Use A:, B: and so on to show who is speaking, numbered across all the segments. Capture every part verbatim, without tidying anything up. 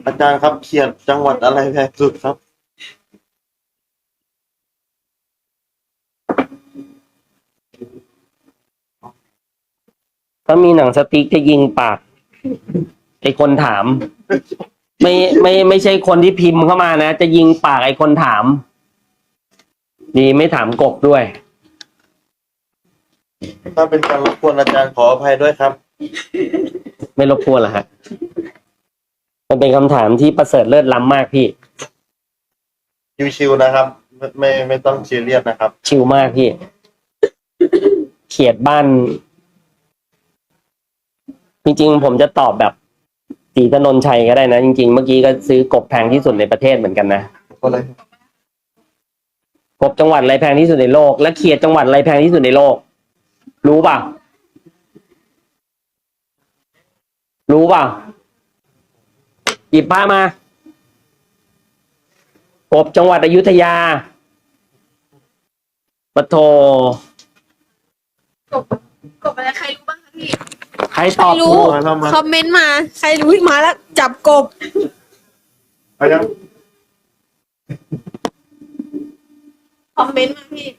A: อาจารย์ครับเขียดจังหวัดอะไรแพงสุดครับ
B: ถ้ามีหนังสติ๊กจะยิงปากไอคนถาม ไม่ไม่ไม่ใช่คนที่พิมพ์เข้ามานะ จะยิงปากไอคนถาม ดีไม่ถามกบด้วย
A: ถ้าเป็นการรบกวนอาจารย์ขออภัยด้วยครับ
B: ไม่รบกวนเหรอฮะมันเป็นคำถามที่ประเสริฐเลิศล้ำมากพี่
A: ชิวๆนะครับ ไม่ไม่ไม่ต้องซีเรียสนะครับ
B: ชิลมากพี่ เขียดบ้าน จริงๆผมจะตอบแบบศรีถนนชัยก็ได้นะ จริงๆเมื่อกี้ก็ซื้อกบแพงที่สุดในประเทศเหมือนกันนะ
A: อะไร
B: กบจังหวัดอะไรแพงที่สุดในโลก และเขียดจังหวัดอะไรแพงที่สุดในโลก รู้ป่ะ รู้ป่ะหยิบผ้ามากบจังหวัดอยุธยาปะโท
C: กบกบอะไรใครรู้บ้างคะพี่
B: ใคร
C: ใค
B: ต
C: ร
B: อบ
C: รู้
B: ถูก
A: เรามา
C: คอมเมนต์มา ใครรู้มาแล้ว จับกบ
A: ไปยัง
C: คอมเมนต์มาพี่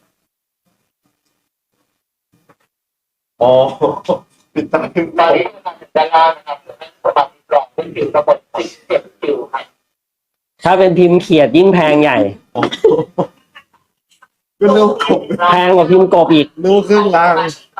A: อ๋อปิดตาปิด
D: ตอ
A: ตาน
D: นี้มาถึงด้านล่างนะครับสำหรับกล่องเป็นผิวระบบสิบเจ็ดผิวครับ
B: ถ้าเป็นพิมพ์เขียดยิ่งแพงใหญ่
A: ก็เร็วกบ
B: แพงกว่าพิมพ์กบอีก
A: เร็วครึ่งล่าง